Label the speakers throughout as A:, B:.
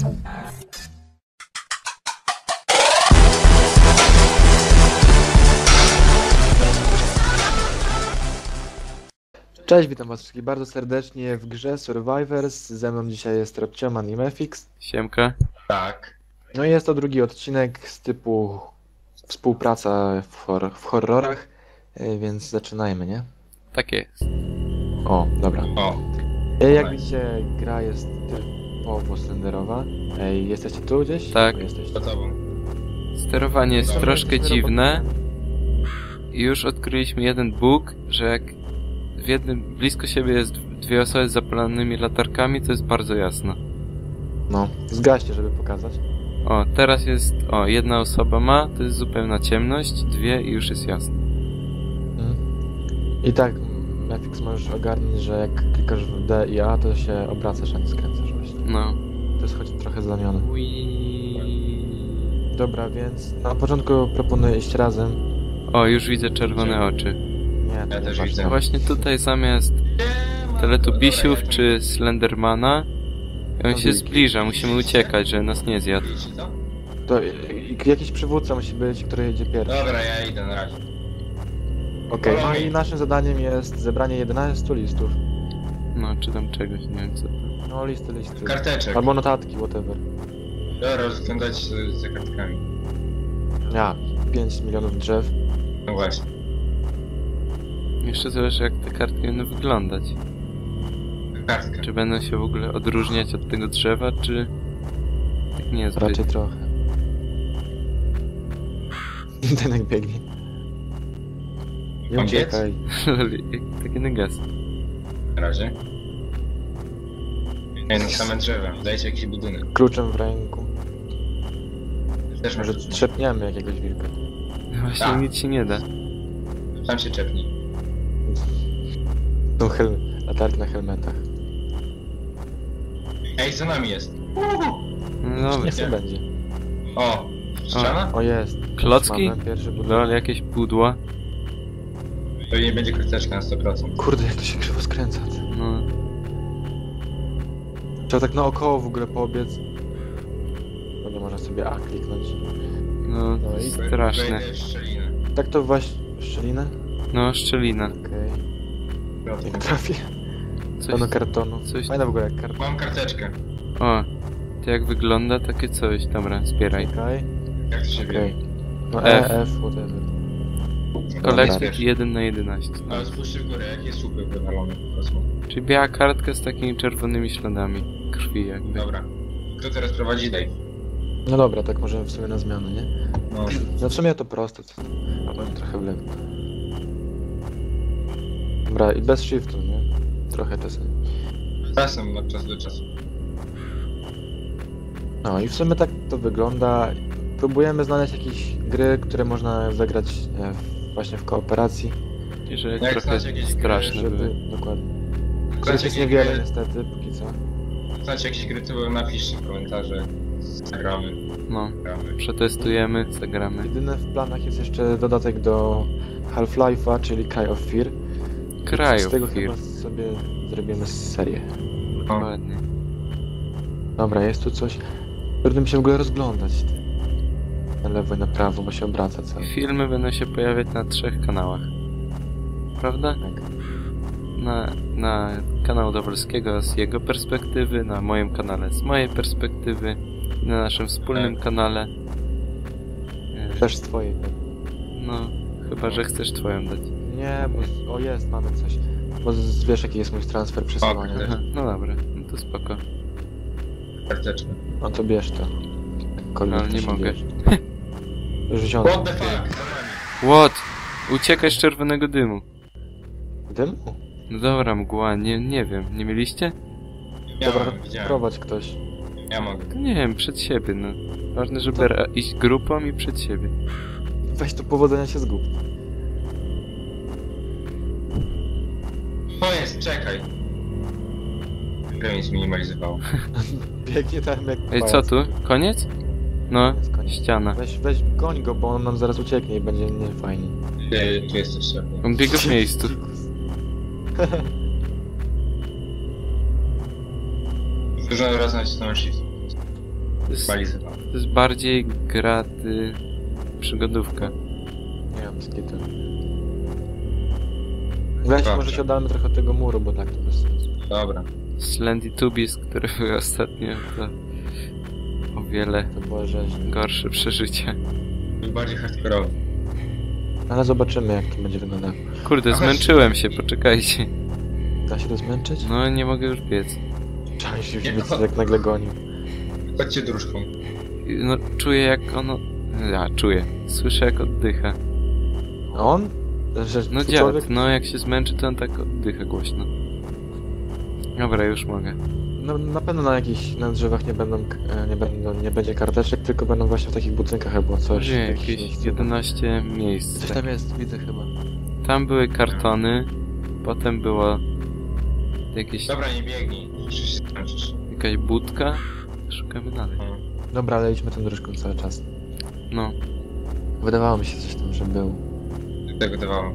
A: Cześć, witam was wszystkich bardzo serdecznie w grze Survivors. Ze mną dzisiaj jest Robcioman i Mefix.
B: Siemka.
C: Tak.
A: No i jest to drugi odcinek z typu współpraca w horrorach, więc zaczynajmy, nie?
B: Tak jest.
A: O, dobra.
C: O,
A: Jak widzicie, gra jest typowo slenderowa. Jesteście tu gdzieś?
B: Tak.
A: Jesteście.
C: za tobą.
B: Sterowanie jest
A: Dobra,
B: troszkę
A: jesteśmy
B: dziwne. I już odkryliśmy jeden bóg, że jak blisko siebie jest dwie osoby z zapalonymi latarkami, to jest bardzo jasno.
A: No, zgaście, żeby pokazać.
B: O, teraz jest... O, jedna osoba ma, to jest zupełna ciemność, dwie i już jest jasno.
A: I tak, Mefix możesz ogarnąć, że jak klikasz w D i A, to się obracasz, a nie skręcasz właśnie.
B: No.
A: To jest choć trochę zamiany.
B: Ui.
A: Dobra, więc na początku proponuję iść razem.
B: O, już widzę czerwone oczy.
A: Nie, to
C: Ja
A: nie
C: też
A: patrz
C: widzę.
A: tam.
B: Właśnie tutaj zamiast Teletubisiów czy Slendermana, on się zbliża, musimy uciekać, że nas nie zjadł.
A: To jakiś przywódca musi być, który jedzie pierwszy.
C: Dobra, ja idę na razie.
A: Okej, no i naszym zadaniem jest zebranie 11 listów.
B: No, czy tam czegoś, nie wiem co to.
A: No, listy.
C: Karteczek.
A: Albo notatki, whatever.
C: Dobra, rozglądać się za kartkami.
A: Ja, 5 milionów drzew.
C: No właśnie.
B: Jeszcze zależy jak te kartki będą wyglądać.
C: Kartka.
B: Czy będą się w ogóle odróżniać od tego drzewa, czy... Tak nie zbyt.
A: Raczej trochę. Ten jak biegnie. Nie
C: Mam
A: uciekaj.
B: Taki negas.
C: Na razie. Nie, no same drzewa. Dajcie jakiś budynek.
A: Kluczem w ręku.
C: Też
A: Może
C: może
A: trzepniemy jakiegoś wilka.
B: Właśnie
C: Tak.
B: nic się nie da.
C: Tam się czepnij.
A: Tą latarki na helmetach.
C: Ej, za nami jest.
B: No dobra.
A: Niech sobie będzie.
C: O, ściana?
A: O, jest.
B: Klocki?
A: Mamy pierwszy budynek.
B: Lol, jakieś pudła.
C: To nie będzie karteczka na 100%.
A: Kurde, jak to się krzywo skręca.
B: No.
A: Trzeba tak naokoło w ogóle pobiec. Bo nie można sobie A kliknąć.
B: No,
A: No i
B: straszne.
C: Wejdę w szczelinę.
A: Tak to właśnie... Szczelinę?
B: No, szczelina.
A: Okej. Jak trafię.
B: Coś...
A: Pełno kartonu.
B: coś-
A: Fajna w ogóle jak karton.
C: Mam karteczkę.
B: O, to jak wygląda takie coś. Dobra, zbieraj.
A: Czekaj.
C: Jak to się
A: Okej.
C: wie?
A: No
B: F.
A: F, whatever.
B: Kolektyk 1/11. No.
C: Ale spójrzcie w górę, jakie słupy wywalone po prostu.
B: Czyli biała kartka z takimi czerwonymi śladami krwi jakby.
C: Dobra. Kto teraz prowadzi Dave?
A: No dobra, tak możemy w sumie na zmianę, nie?
C: No.
A: No w sumie to proste. Albo trochę w lewo. Dobra, i bez shiftu, nie? Trochę czasem.
C: Czasem, od czasu do czasu.
A: No i w sumie tak to wygląda. Próbujemy znaleźć jakieś gry, które można zagrać właśnie w kooperacji,
B: I że
C: Jak
B: trochę
C: znacie jakieś gry,
B: straszne
A: żeby...
B: były.
A: Dokładnie. Których
C: Znacie
A: jest
C: jakieś
A: niewiele
C: gry,
A: niestety, póki co.
C: znacie jakieś gry, to napiszcie w komentarze. Zagramy.
B: No,
C: Gramy.
B: przetestujemy, zagramy.
A: Jedyne w planach jest jeszcze dodatek do Half-Life'a, czyli Cry of Fear.
B: Kraju
A: Z tego
B: Fear.
A: chyba sobie zrobimy serię.
B: Dokładnie.
A: Dobra, jest tu coś. Trudno mi się w ogóle rozglądać. Na lewo i na prawo, bo się obraca cały.
B: Filmy będą się pojawiać na 3 kanałach. Prawda?
A: Tak.
B: Na kanał Dowolskiego z jego perspektywy, na moim kanale z mojej perspektywy, na naszym wspólnym kanale.
A: Też z twojej. tak?
B: No, chyba że chcesz twoją dać.
A: Nie, bo... O, jest, mamy coś. Bo wiesz, jaki jest mój transfer przesyłania.
C: Ok.
B: Aha, no dobra, no to spoko.
C: Karteczkę.
A: No to bierz to. Jakkolwiek
B: Ale
A: to
B: nie
A: się
B: mogę.
A: bierze. Już wziąłem.
C: What the fuck? Za nami.
B: What? Uciekaj z czerwonego dymu.
A: Dymu?
B: No dobra, mgła, nie wiem, nie mieliście?
A: Dobra,
C: widziałem.
A: prowadź ktoś.
C: Ja mogę.
B: To nie wiem, przed siebie, no. Ważne, żeby iść grupą i przed siebie.
A: Weź tu powodzenia się zgub.
C: To jest, czekaj. Grę mi zminimalizowało.
A: Biegnie tam jak
B: Ej, co
A: pajac.
B: tu? Koniec? No,
A: Jest koniec.
B: ściana.
A: Weź goń go, bo on nam zaraz ucieknie i będzie niefajnie.
C: Tu jest jeszcze.
B: On biega w miejscu.
C: Dużo razy nacisnąłem shift.
B: To jest bardziej gra przygodówka.
A: Nie wiem, skitu. Weź,
C: Dobrze.
A: może się oddalmy trochę od tego muru, bo tak to bez sensu.
C: Dobra.
B: Slendy Tubis, które były ostatnio, to o wiele
A: To było rzeźnie.
B: gorsze przeżycie.
C: Był bardziej hardkorowy.
A: Ale zobaczymy, jak to będzie wyglądało.
B: Kurde, zmęczyłem się, poczekajcie.
A: Da się to zmęczyć?
B: No, nie mogę już biec.
A: Trzeba się
C: Nie,
A: już
C: no.
A: jak nagle gonił.
C: Chodźcie dróżką.
B: No, czuję jak ono... Ja, czuję. Słyszę jak oddycha.
A: A on? Że
B: No
A: twój człowiek?
B: dziad, no jak się zmęczy, to on tak oddycha głośno. Dobra, już mogę.
A: No, na pewno na drzewach nie będzie karteczek, tylko będą właśnie w takich budynkach albo coś.
B: Gdzie
A: jakieś
B: jakieś
A: miejsce.
B: 11 miejsc.
A: Coś tam jest, widzę chyba.
B: Tam były kartony, potem było jakieś,
C: Dobra, nie biegnij. Czy się skończysz?
B: jakaś budka. Szukamy dalej.
A: Dobra, ale idźmy tą dróżką cały czas.
B: No,
A: Wydawało mi się coś tam, że był.
C: Tak wydawało.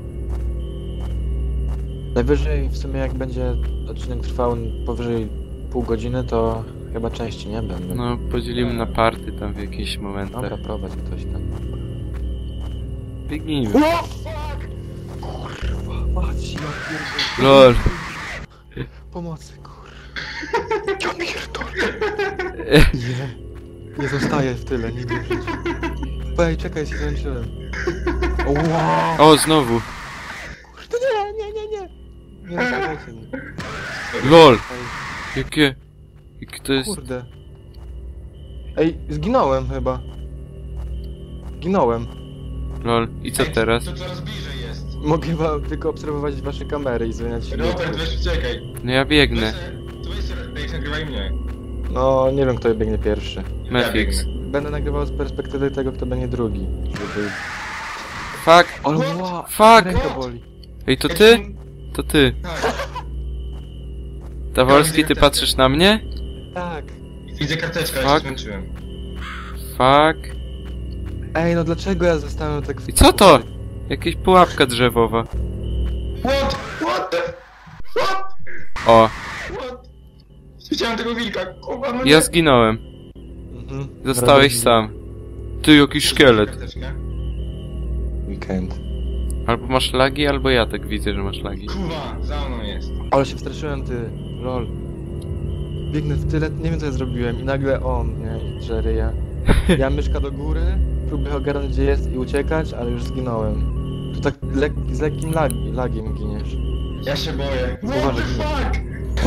A: Najwyżej w sumie jak będzie odcinek trwał powyżej pół godziny, to chyba części nie będą.
B: no podzielimy na party tam w jakichś momentach.
A: Dobra, prowadź ktoś tam.
B: Biegnijmy.
A: O, fuck! Kurwa, mać, ja pierdolę.
B: LOL.
A: Pomocy, kurwa. Ja pierdolę. Nie zostaję w tyle, nie wierzyć. Ej, czekaj, się zmęczyłem. O, wow.
B: O, znowu.
A: Kurde, nie. Nie zostawiajcie mnie.
B: LOL.
A: Ej,
B: Jakie to jest...
A: kurde. Ej, zginąłem chyba. Zginąłem.
B: LOL. I co
C: Ej,
B: teraz?
C: To coraz bliżej jest.
A: Mogę chyba tylko obserwować wasze kamery i zmieniać
C: Robert, weź uciekaj.
B: No ja biegnę.
C: Weź nagrywaj mnie.
A: No, nie wiem kto biegnie pierwszy.
B: Mefix.
C: biegnę.
A: Będę nagrywał z perspektywy tego, kto będzie drugi. Żeby...
B: Fuck.
A: Ale
C: What?
A: wow,
B: Fuck.
A: ręka boli.
B: Ej, to ty? To ty.
C: Tak.
B: Dawolski, ty patrzysz na mnie?
A: Tak.
C: Widzę karteczkę, ale
B: Fuck.
C: się zmęczyłem.
B: Fuck.
A: Ej, no dlaczego ja zostałem tak...
B: I co to? Jakaś pułapka drzewowa.
C: What? What the... What?
B: O,
C: What? Widziałem tego wilka, kurwa, no
B: ja zginąłem.
A: Mhm.
B: Zostałeś sam. Ty, jakiś szkielet.
C: Karteczkę.
A: Weekend.
B: Albo masz lagi, albo ja tak widzę, że masz lagi.
C: Kurwa, za mną jest.
A: Ale się wstraszyłem, ty. Lol. Biegnę w tyle, nie wiem co ja zrobiłem i nagle on, nie? I Jerry, ja. Ja myszka do góry, próbuję ogarnąć gdzie jest i uciekać, ale już zginąłem. Tu tak z lekkim lagiem giniesz.
C: Ja się boję. What
A: Uważaj.
C: the fuck?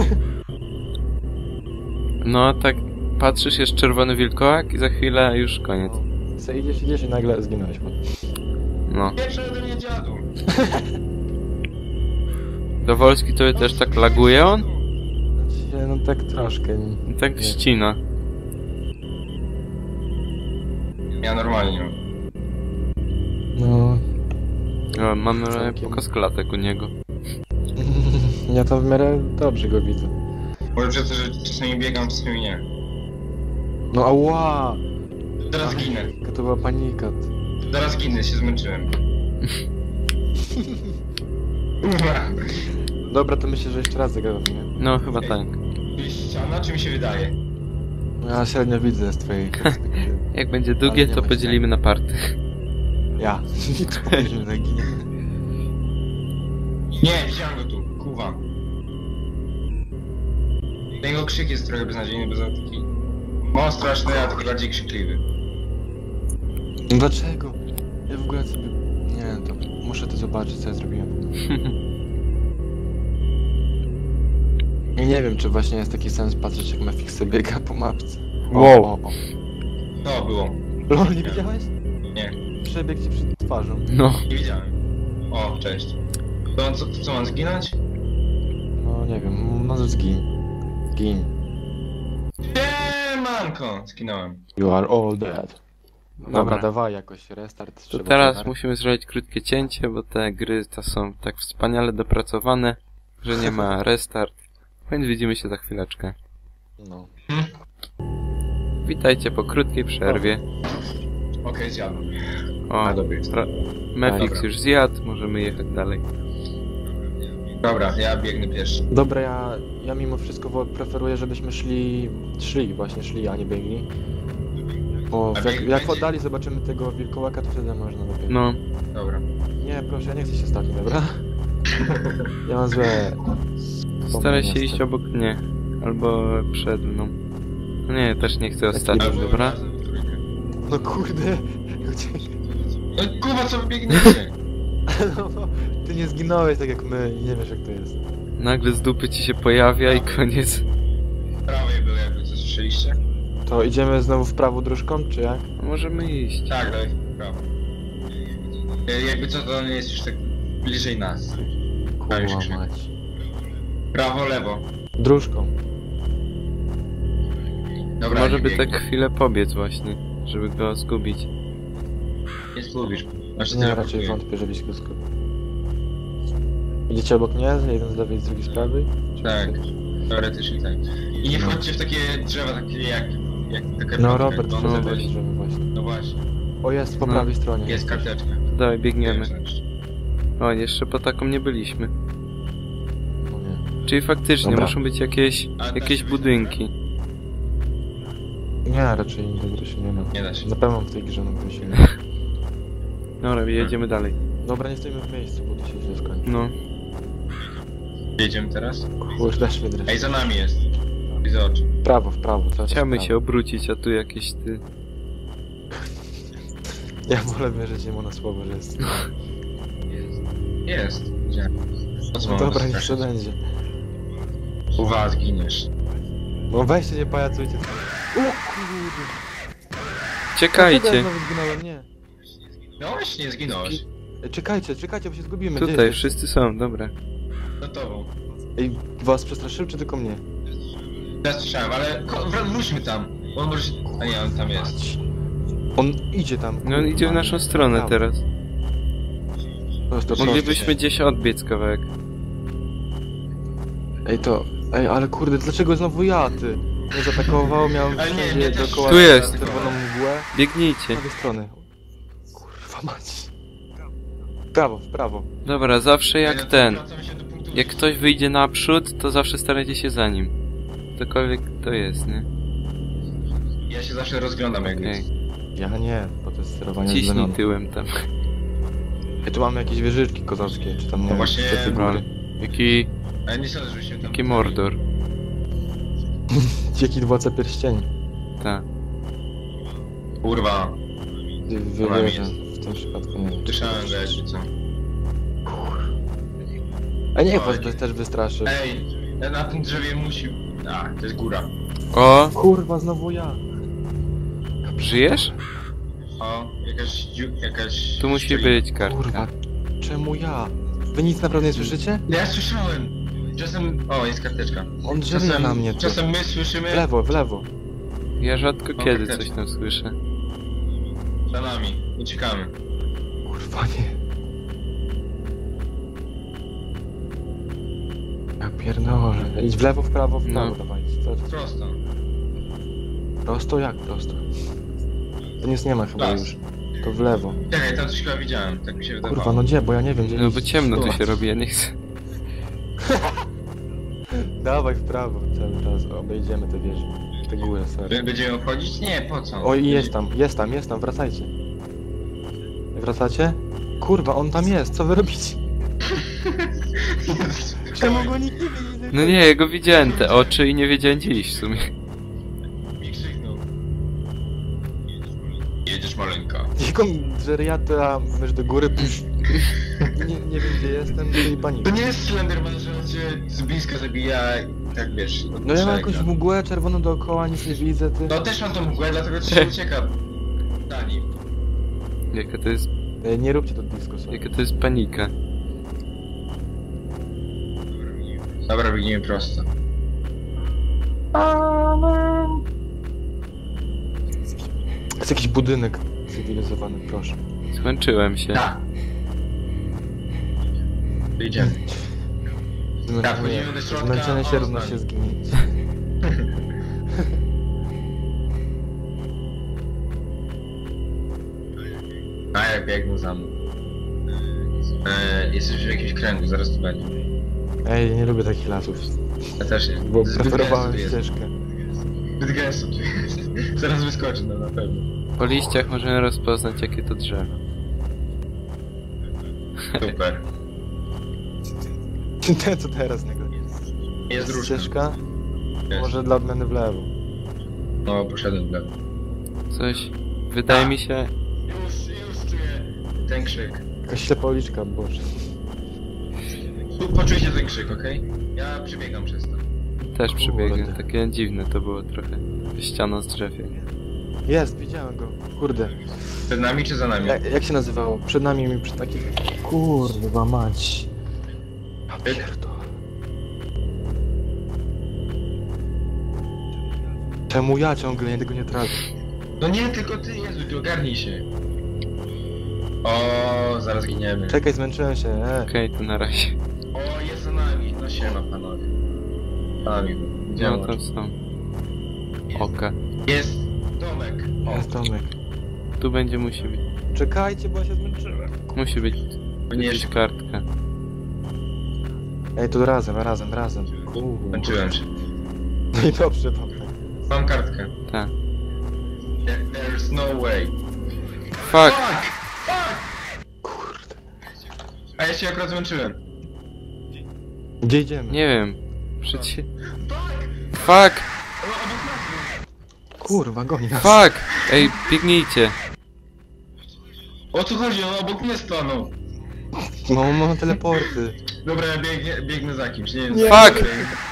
B: No, tak patrzysz, jest czerwony wilkołak i za chwilę już koniec.
A: Co idziesz i nagle zginąłeś.
B: No.
C: Pierwszy ode mnie dziadu.
B: Dowolski tobie też tak laguje on?
A: No tak troszkę.
B: I tak
A: Nie.
B: ścina.
C: Ja normalnie.
A: No...
B: O, mamy
A: Całkiem.
B: pokaz klatek u niego.
A: Ja to w miarę dobrze go widzę.
C: Może przez to, że czasami biegam, czasami nie.
A: No ała!
C: Teraz ginę.
A: Jaka to była panika.
C: Teraz ginę, się zmęczyłem. Kurwa.
A: Dobra, to myślę, że jeszcze raz zagrałem, nie?
B: No, chyba tak.
C: Jest ściana, czy mi się wydaje?
A: No ja średnio widzę z twojej perspektywy.
B: Jak będzie długie,
A: Ale nie
B: to
A: ma
B: podzielimy na party.
A: Ja. Później zaginie.
C: Nie, widziałem go tu, kuwa. Jego krzyk jest trochę beznadziejny, bo za taki... Mało straszny, a taki bardziej krzykliwy.
A: No dlaczego? Ja w ogóle sobie... Nie, to muszę to zobaczyć, co ja zrobiłem. I nie wiem, czy właśnie jest taki sens patrzeć, jak Mefix sobie biega po mapce.
B: Wow.
A: O.
C: To było.
A: Lol, nie widziałeś?
C: Nie,
A: Przebieg ci przed twarzą.
B: No.
C: nie widziałem. O, cześć. To co mam zginąć?
A: No nie wiem, może zgin. Gin.
C: Nie, manko! Zginąłem.
A: You are all dead. Dobra,
B: Dobra.
A: dawaj jakoś restart.
B: To
A: trzeba
B: teraz
A: dolar.
B: musimy zrobić krótkie cięcie, bo te gry to są tak wspaniale dopracowane, że nie ma restart. Więc widzimy się za chwileczkę.
A: No.
B: Witajcie po krótkiej przerwie.
C: Okej, zjadłem.
B: O,
C: A, dobry jest.
B: Mefix
C: Dobra.
B: już zjadł, możemy jechać dalej.
C: Dobra, ja biegnę pierwszy.
A: Dobra, ja mimo wszystko preferuję, żebyśmy szli, a nie biegli. O,
C: A
A: jak,
C: bieg
A: jak w
C: będzie?
A: oddali zobaczymy tego wilkołaka, to wtedy można dopiero.
B: No,
C: Dobra.
A: Nie, proszę, ja nie chcę się stać, dobra? Ja mam złe...
B: staraj się
A: wspomnienia z
B: iść
A: tego.
B: obok mnie. Albo przed mną. No nie, też nie chcę ostatni,
A: Albo
B: dobra?
C: razem w trójkę.
A: No kurde,
C: No kurwa, co wy biegniecie?
A: no, ty nie zginąłeś tak jak my i nie wiesz jak to jest.
B: Nagle z dupy ci się pojawia i koniec.
C: W prawej był jakby, co słyszeliście?
A: To idziemy znowu w prawo dróżką, czy jak?
B: No, możemy iść.
C: Tak, daj w prawo. Jakby co, to on jest już tak bliżej nas. już
A: Kurwa
C: krzyk.
A: mać.
C: Prawo, lewo.
A: Dróżką.
C: Dobra,
B: Może
C: nie
B: by
C: biegnie.
B: tak chwilę pobiec właśnie, żeby go zgubić.
C: Nie zgubisz. Znaczy,
A: Nie,
C: ty
A: raczej
C: blokujesz.
A: wątpię, żebyś go skupił. Idziecie obok mnie? Jeden z lewej, z drugiej z prawej? Czy
C: Tak.
A: coś?
C: Teoretycznie tak. I nie
A: No.
C: wchodźcie w takie drzewa, takie jak taka
A: No
C: rąbka,
A: Robert,
C: jak
A: no,
C: on
B: weź.
C: weź.
A: żeby właśnie.
C: No właśnie.
A: O, jest po
B: No.
A: prawej stronie.
C: Jest karteczka.
B: Dawaj, biegniemy.
C: Znaczy.
B: O, jeszcze po taką nie byliśmy.
A: No nie.
B: Czyli faktycznie
A: Dobra.
B: muszą być jakieś
C: da się
B: budynki.
A: Nie, raczej nigdy się nie ma.
C: Nie da się.
A: Na pewno w tej grze no się nie.
B: Dobra, jedziemy dalej.
A: Dobra, nie stoimy w miejscu, bo to się źle skończy.
B: No.
C: Jedziemy teraz?
A: Kurde, dasz mnie dreszcz.
C: Ej, za nami jest. Widzę oczy.
A: W prawo, cały czas
B: Chciałbym
A: w
B: się
A: prawo.
B: obrócić, a tu jakieś ty...
A: Ja wolę wierzyć mu na słowo, że jest.
C: Jest. Gdzie? Po co
A: No
C: mamy
A: dobra, niech
C: straszyć?
A: to będzie.
C: Uwaga, zginiesz.
A: No weźcie, nie pajacujcie. O kurde. Dlaczego ja
B: Czekajcie!
A: znowu zginąłem? Nie.
C: No właśnie, zginąłeś.
A: Ej, czekajcie, bo się zgubimy. Gdzie
B: Tutaj,
A: jesteście?
B: wszyscy są, dobra.
C: Za tobą.
A: Ej, was przestraszył, czy tylko mnie?
C: Ja słyszałem, ale wróćmy tam. Bo on może się... A nie, on tam jest.
A: Mać. On idzie tam.
B: No on idzie w naszą stronę teraz.
A: Prosto,
B: Moglibyśmy gdzieś odbiec kawałek.
A: Ej, to... Ej, ale kurde, dlaczego znowu ja, ty? Mnie zaatakował, miałem
C: Ale nie,
A: wszędzie
C: mnie też-
A: dookoła
B: Tu jest.
A: czerwoną mgłę. Z
B: Biegnijcie.
A: prawej strony. Kurwa mać. W prawo.
B: Dobra, zawsze
C: Ej,
B: jak
C: no to
B: ten.
C: wracamy się do punktu
B: Jak ktoś wyjdzie naprzód, to zawsze starajcie się za nim. Cokolwiek to jest, nie?
C: Ja się zawsze rozglądam jak
B: Okej.
C: jest.
A: Ja nie, bo to jest sterowanie
B: Ciśnij
A: zmienione.
B: tyłem tam.
A: Ej, tu mamy jakieś wieżyczki kozackie, czy tam nie
C: No
A: wiem,
C: właśnie,
A: czy te
B: Dobra.
A: góry.
B: Jaki...
C: Ale nie sądzę, żebyśmy tam...
B: Jaki Mordor.
A: Jaki dwódca pierścieni.
B: Tak.
C: Kurwa.
A: Wierzę,
C: jest.
A: w tym przypadku nie wiem.
C: Słyszałem, że jakby co.
A: A niech
C: Oj.
A: was też wystraszy.
C: Ej, na tym drzewie musi... A, to jest góra.
B: O!
A: Kurwa, znowu ja.
B: Żyjesz?
C: O, jakaś...
B: Tu musi
C: szczelina.
B: być kartka.
A: Kurwa, czemu ja? Wy nic naprawdę nie słyszycie?
C: Ja słyszałem! Czasem... O, jest karteczka.
A: On drzewie na mnie, ty.
C: Czasem my słyszymy...
A: W lewo.
B: Ja rzadko
C: O,
B: kiedy
C: karteczka.
B: coś tam słyszę.
C: Za nami. Uciekamy.
A: Kurwa, nie. Ja pierdolę. Idź w lewo, w prawo,
B: No.
A: dawajcie. Co?
C: Prosto.
A: Prosto? Jak prosto? To nic nie ma chyba
C: Las.
A: już. To w lewo.
C: Czekaj, tam coś chyba widziałem, tak mi się wydawało.
A: Kurwa, no gdzie? Bo ja nie wiem, gdzie
B: No
A: iść.
B: bo ciemno tu
A: Zobacz.
B: się robi, ja nie chcę.
A: Dawaj w prawo cały czas. Obejdziemy te wieże. Te góry, sorry.
C: Będziemy obchodzić? Nie, po co?
A: O, i jest tam, wracajcie. Wracacie? Kurwa, on tam jest, co wy robicie? Czemu go nikt nie widzi?
B: No nie, ja go widziałem te oczy i nie wiedziałem gdzie iść w sumie.
C: Mi krzyknął. Jedziesz maleńka.
A: Jaką żeriata, mysz do góry, pusz. Nie wiem gdzie jestem, to i
C: To
A: panika.
C: nie jest Slenderman, że on cię z bliska zabija i tak wiesz... od
A: No ja mam
C: szerega.
A: jakąś mgłę czerwoną dookoła, nic nie widzę, ty.
C: No też mam tą mgłę, dlatego ci się ucieka. Za nim.
B: Jaka to jest...
A: Nie róbcie to disco, sorry.
B: Jaka to jest panika.
C: Dobra, biegniemy prosto.
A: Jest jakiś budynek cywilizowany, proszę.
B: Skończyłem się.
C: Tak. Idziemy. Tak, wchodzimy do środka,
A: Zmęczenie się
C: o,
A: równa
C: znamy.
A: się zginięcie.
C: A ja biegnę za mną. Jesteś w jakimś kręgu, zaraz tu będzie.
A: Ej, nie lubię takich lasów,
C: Ja też nie.
A: bo
C: Zbyt
A: preferowałem
C: gęsto tu jest.
A: ścieżkę.
C: Zbyt gęsto tu jest. Zaraz wyskoczy, no na pewno.
B: Po liściach możemy rozpoznać, jakie to drzewo.
C: Super.
A: Ten co teraz nagle.
C: Jest różne.
A: Ścieżka?
C: Jest.
A: Może dla odmiany w lewo.
C: No, poszedłem w lewo.
B: Coś... Wydaje mi się...
C: Już czuję ten krzyk.
A: Jakaś ślepa uliczka, boże.
C: Tu poczujcie ten krzyk, okej? Ja przebiegam przez to.
B: Też przebiegnę.
A: Kurde.
B: Takie dziwne to było trochę. Ściana z drzewie.
A: Jest, widziałem go. Kurde.
C: Przed nami czy za nami?
A: Jak się nazywało? Przed nami mi przy takim... Kurwa mać. Ja pierdolę. Czemu ja ciągle tego nie trafię?
C: No nie, tylko ty, Jezu, ty ogarnij się. O, zaraz giniemy.
A: Czekaj, zmęczyłem się,
B: Okej, to na razie.
C: O, jest za nami. No siema, panowie. Panowie,
B: No tam są. Oka.
C: Jest domek. O,
A: Jest Tomek.
B: Tu będzie musi być.
A: Czekajcie, bo ja się zmęczyłem.
B: Musi być
C: nie
B: jakaś kartka.
A: Ej, tu razem.
C: Męczyłem się.
A: No i dobrze, Tomek.
C: Mam kartkę.
B: Tak.
C: There's no way.
B: Fuck!
A: Kurde.
C: A ja się akurat zmęczyłem.
A: Gdzie idziemy?
B: Nie wiem. Przecież... Fuck!
C: O, obok nas.
A: Kurwa, goni nas.
B: Fuck! Ej, biegnijcie.
C: O co chodzi? On obok mnie stanął.
A: No, mam teleporty.
C: Dobra, ja biegnę za kimś, nie wiem.
A: Nie.
B: Fuck!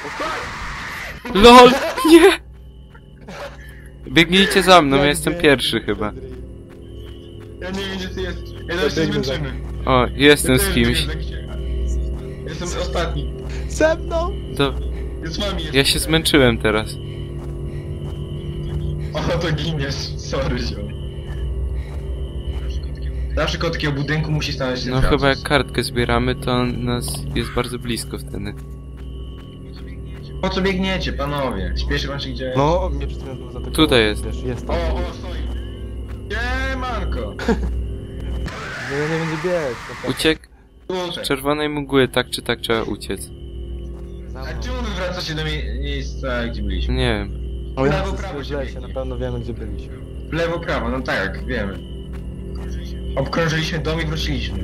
B: LOL! Nie! Biegnijcie za mną, ja jestem pierwszy chyba.
C: Ja nie wiem, gdzie ty jesteś. Ja też się
A: biegnę za-
C: zmęczymy.
B: O, jestem
C: Ja
B: z
C: też
B: kimś.
C: biegnę za kimś. Jestem ostatni.
A: Ze mną!
B: To...
C: Jest z wami.
B: Ja się zmęczyłem teraz.
C: O, to giniesz. Sorry, ziom. Zawsze koło takiego budynku musi stanąć ten
B: No
C: Francuz.
B: chyba jak kartkę zbieramy, to on nas jest bardzo blisko wtedy.
C: Po co biegniecie, panowie? Śpieszy wam się gdzie?
A: No, mnie przed chwilą było za tego.
B: Tutaj jest.
A: Wiesz, jest
C: O,
A: tam.
C: stoi. Siemanko.
A: No ja nie będzie biec. No,
B: Uciek
C: Tutaj.
B: z czerwonej mgły, tak czy tak trzeba uciec.
A: za
C: A
A: mną.
C: czemu wy wracacie do miejsca, gdzie byliśmy?
B: Nie wiem.
A: O, ja
C: Prawo,
A: chcę
C: prawo
A: w
C: się
A: lesie,
C: biegnie.
A: na pewno wiemy, gdzie byliśmy.
C: W lewo, prawo, no tak, wiemy. Obkrążyliśmy dom i wróciliśmy.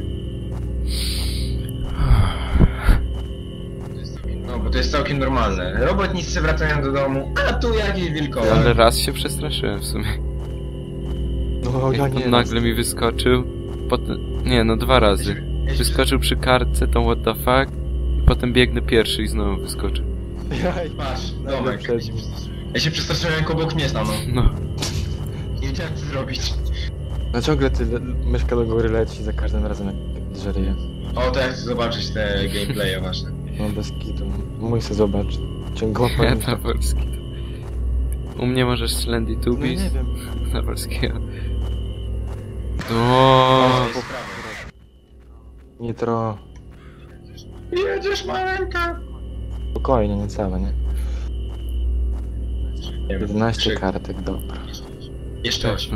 C: No, bo to jest całkiem normalne. Robotnicy wracają do domu, a tu jakieś wilkołak.
B: Ale raz się przestraszyłem w sumie.
A: No, ja
B: Jak
A: nie.
B: on nagle mi wyskoczył. Potem... Nie, no 2 razy. Wyskoczył przy kartce, tą what the fuck. I potem biegnę pierwszy i znowu wyskoczył.
A: Ja,
C: Patrz,
A: nagle
C: domek.
A: przed nim.
C: Ja się przestraszyłem, jak obok mnie stanął.
B: No.
C: Nie wiedziałem, co zrobić.
A: No ciągle ty myszka do góry leci za każdym razem jak drzeje.
C: O, to ja chcę zobaczyć te gameplaye wasze.
A: No bez kitu. Mój se zobacz. Ciągle
B: Ja na polski. U mnie możesz Slendy
A: No
B: Tubis.
A: nie wiem.
B: Na polskiego.
C: O,
B: O,
C: jest prawo.
A: Nitro.
C: Jedziesz, maleńka!
A: Spokojnie, niecałe, nie?
C: Nie wiem,
A: 11
C: krzyk.
A: kartek, dobra.
C: Jeszcze 8.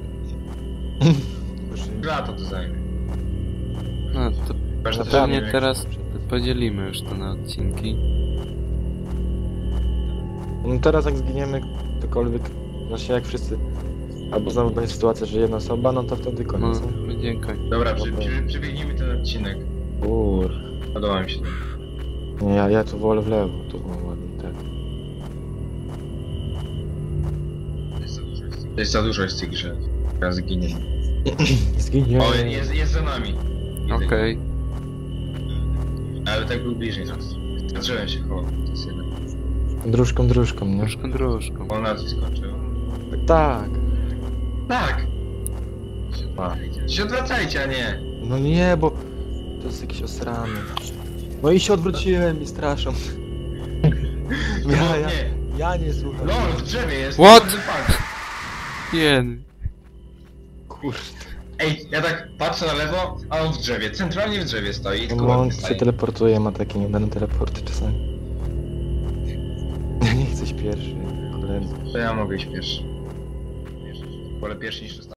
A: Już
C: Lata to zajmie.
B: no to
C: Chyba, że
A: Na
C: też
A: pewno
C: nie
B: pewnie
C: wiem,
B: teraz podzielimy już to na odcinki.
A: No teraz jak zginiemy ktokolwiek, znaczy jak wszyscy, albo znowu będzie sytuacja, że jedna osoba, no to wtedy
B: No,
A: koniec. nie?
B: będzie koniec.
C: Dobra, przebiegnijmy ten odcinek.
A: Kur...
C: Podoba mi się to.
A: Nie, ja tu wolę w lewo, tu było ładnie, tak.
C: To jest za dużo jest w tej grze. Teraz ginie.
A: Zginie.
C: O, jest za nami.
B: Okej.
C: Ale tak był bliżej nas. Zacząłem się koło. To jest jeden.
A: Dróżką, nie?
B: Dróżką.
C: On nas wyskoczył.
A: Tak.
C: Tak! Się odwracajcie, a nie!
A: No nie, bo to jest jakiś osrany. No i się odwróciłem i straszą. Ja,
C: Nie!
A: ja nie słucham.
C: LOL, w drzewie jest!
B: What?
C: What the fuck?
B: Jen.
A: Kurde.
C: Ej, ja tak patrzę na lewo, a on w drzewie. Centralnie w drzewie stoi. Tylko
A: No on
C: ładnie
A: się
C: stoi.
A: teleportuje, ma takie niedane teleporty czasami. Ja nie chcę iść pierwszy, koledzy.
C: To ja mogę iść pierwszy. Wolę pierwszy niż ostatni.